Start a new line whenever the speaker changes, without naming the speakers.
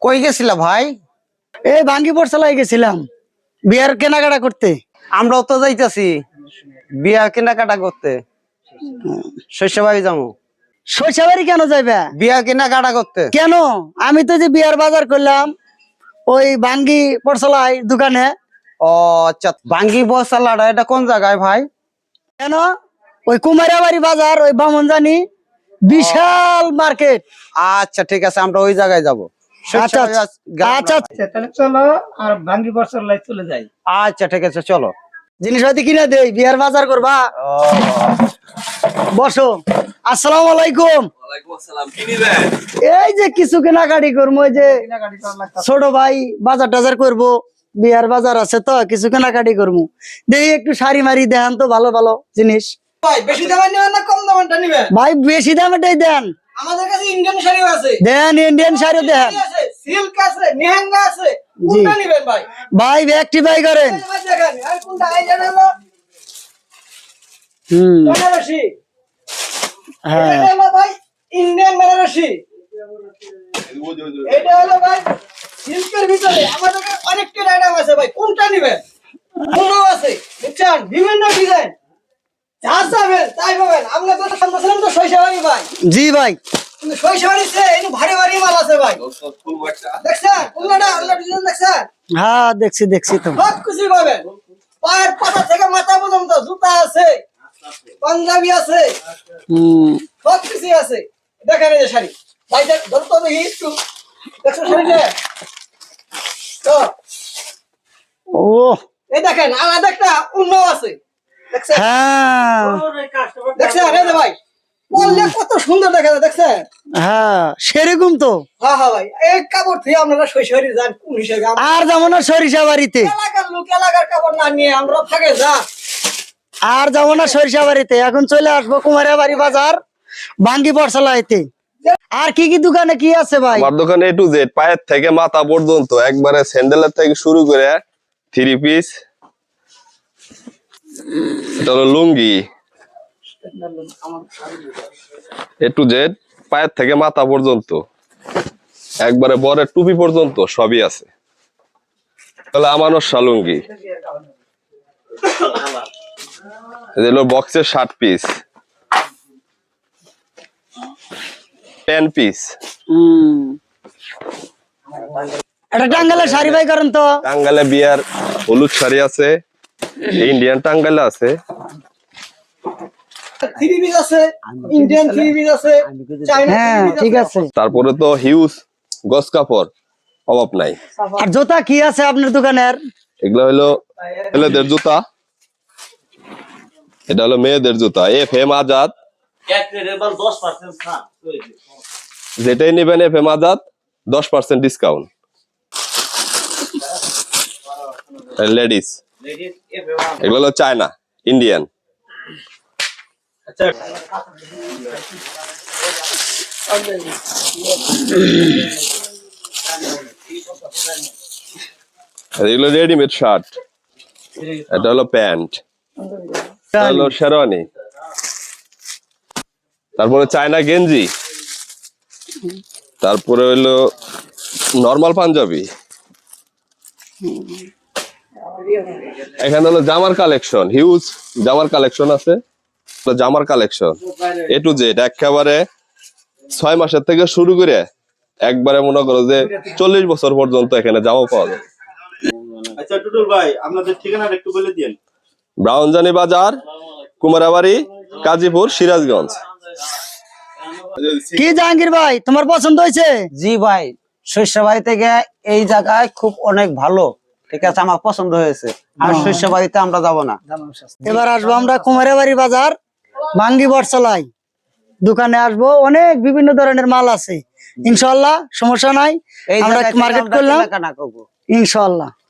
কই গেছিলা ভাই?
এই ভাঙ্গি পড়ছালায় গেছিলাম বিয়ার কেনাকাটা করতে।
আমরাও তো যাইতাছি বিয়ার কেনাকাটা করতে। শস্যবাড়ি যাবো।
শৈশবাড়ি কেন যাইবা?
বিয়ার কেনাকাটা করতে।
কেন? আমি তো যে বিয়ার বাজার করলাম ওই ভাঙ্গি পড়ছালায় দোকানে।
ও আচ্ছা, ভাঙ্গি বসালাটা এটা কোন জায়গায় ভাই?
কেন? ওই কুমারিয়াবাড়ি বাজার, ওই বামনজানি বিশাল মার্কেট।
আচ্ছা ঠিক আছে, আমরা ওই জায়গায় যাবো।
আচ্ছা আচ্ছা
তাহলে চলো আর ভাঙ্গি বর্ষার চলে যাই।
আচ্ছা ঠিক আছে চলো।
জিনিসপাতি কিনে দেই, বিয়ার বাজার করবা। বসো। আসসালামু আলাইকুম। এই যে কিছু কেনাকাটি করবো, ওই যে ছোট ভাই বাজার টাজার করবো, বিয়ার বাজার আছে তো কিছু কেনাকাটি করবো। দেখি একটু শাড়ি মারি দেন তো, ভালো ভালো জিনিস।
ভাই বেশি দামের নেবেন না কম দামেরটা নেবেন?
ভাই বেশি দামেটাই দেন।
আমাদের কাছে ইন্ডিয়ান শাড়িও আছে।
দেন ইন্ডিয়ান শাড়ি দেন।
সিল্ক আছে, নেহাঙ্গা আছে। কোনটা নেবেন ভাই?
ভাই একটি বাই করেন।
ভাই দেখেন, আর কোনটা এই জানেন না? বেনারসি।
হ্যাঁ
এটা হলো ভাই ইন্ডিয়ান বেনারসি। এটা হলো ভাই সিল্কের ভিতরে আমাদের কাছে অনেকটা আইটেম আছে ভাই। কোনটা নেবেন? কোনও আছে, বুঝছেন? বিভিন্ন ডিজাইন। যা চাবেন তাই পাবেন। আমরা তো সামনে তো শৈশবাড়ি ভাই।
জি ভাই।
কিন্তু শৈশবাড়িতে একটু ভারী ভারী মাল আছে ভাই। দেখছেন? কোনটা ডিজাইন দেখছেন?
হ্যাঁ দেখছি দেখছি তো।
সব কিছু পাবেন। পায়ের পাতা থেকে মাথা পর্যন্ত জুতা আছে, পাঞ্জাবি আছে, সব কিছু আছে। দেখেন এই যে শাড়ি ভাই, ধরো তো দেখি একটু। দেখছো শাড়িটা? তো
ও
এই দেখেন আলাদা একটা উন্নত আছে। দেখছেন?
হ্যাঁ
দেখছেন এই যে ভাই পরলে কত সুন্দর দেখা যায়। দেখছেন?
হ্যাঁ সেরকম তো।
হ্যাঁ হ্যাঁ ভাই, এই কাপড় থেকে আপনারা শৈশবাড়ি যান কোন হিসেবে?
আর যেমন না সরিষা বাড়িতে,
এলাকার লোক এলাকার কাপড় না নিয়ে আমরা ফাঁকে যা।
আর যেমন না সরিষা বাড়িতে। এখন চলে আসবো কুমারিয়া বাড়ি বাজার, ভাঙ্গি পড়ছালাইতে। আর কি কি দোকানে কি আছে ভাই?
আমার দোকানে A to Z পায়ের থেকে মাথা পর্যন্ত একবারে স্যান্ডেলের থেকে শুরু করে 3 পিস, এটা হলো লুঙ্গি। A to Z পায়ের থেকে মাথা পর্যন্ত একবারে বরের টুপি পর্যন্ত সবই আছে। তাহলে আমানো শালুঙ্গি, এগুলো বক্সের 60 পিস, 10 পিস।
এটা টাঙ্গাইলের শাড়ি ভাই করেন তো?
টাঙ্গাইলে বিয়ার হলুদ শাড়ি আছে, ইন্ডিয়ান টাঙ্গাইলে আছে,
থ্রি পিস আছে, ইন্ডিয়ান থ্রি পিস আছে, চাইনা
হ্যাঁ ঠিক আছে।
তারপরে তো হিউজ গস কাপড় অভাব নাই।
আর জুতা কি আছে আপনার দোকানের?
এগুলো হলো ছেলেদের জুতা, এটা হলো মেয়েদের জুতা। FM আজাদ, যেটাই নেবেন FM আজাদ 10% ডিসকাউন্ট। লেডিস এগুলো হলো চায়না ইন্ডিয়ান। এগুলো রেডিমেড শার্ট, এটা হলো প্যান্ট, এটা হলো শেরওয়ানি, তারপরে চায়না গেঞ্জি, তারপরে হইলো নরমাল পাঞ্জাবি। এখানে হলো জামার কালেকশন, হিউজ জামার কালেকশন আছে, জামার কালেকশন A to Z একেবারে 6 মাসের থেকে শুরু করে একবারে মনে করো যে 40 বছর পর্যন্ত এখানে জামা পাওয়া যায়।
আচ্ছা টুটুল ভাই, আপনাদের ঠিকানাটা একটু বলে দিন।
ব্রাউনজানি বাজার, কুমারাবাড়ি, কাজীপুর, সিরাজগঞ্জ।
কি জাহাঙ্গীর ভাই তোমার পছন্দ হয়েছে?
জি ভাই, শস্যবাড়ি থেকে এই জায়গায় খুব অনেক ভালো। ঠিক আছে, আমার পছন্দ হয়েছে। আর শস্যবাড়িতে আমরা যাব না।
এবার আসবো আমরা কুমারিয়া বাড়ি বাজার, ভাঙ্গি পড়ছালাই দোকানে আসবো। অনেক বিভিন্ন ধরনের মাল আছে, ইনশাল্লাহ সমস্যা নাই।
এই
আমরা
জায়গায় থেকে
মার্কেট
আমরা
করলাম
কেনাকাটা করবো
ইনশাল্লাহ।